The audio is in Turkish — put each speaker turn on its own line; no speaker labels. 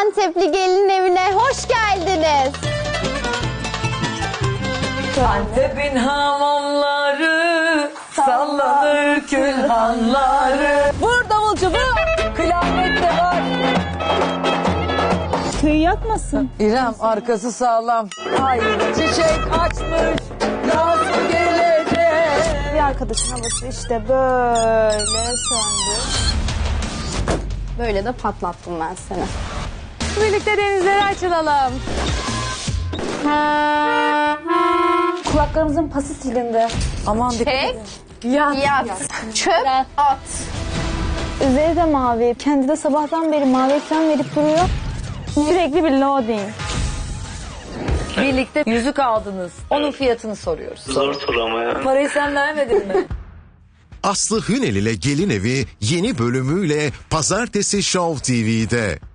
Antepli gelin evine hoş geldiniz.
Antep'in hamamları, sallanır külhanları. Vur davulcu vur, kıyamet de var.
Köyü yakmasın.
İrem arkası sağlam. Hayır çiçek açmış, yaz mı gelecek?
Bir arkadaşın havası işte böyle söndü.
Böyle de patlattım ben seni.
Birlikte denizlere açılalım.
Kulaklarımızın pası silindi.
Aman dikkat
Çek,
edin.
yat, çöp, at.
Üzeri de mavi. Kendi de sabahtan beri mavi ekran verip duruyor. Sürekli bir loading.
Birlikte yüzük aldınız. Onun fiyatını soruyoruz.
Zor soru ama ya.
Parayı sen vermedin mi?
Aslı Hünel ile Gelin Evi yeni bölümüyle Pazartesi Show TV'de.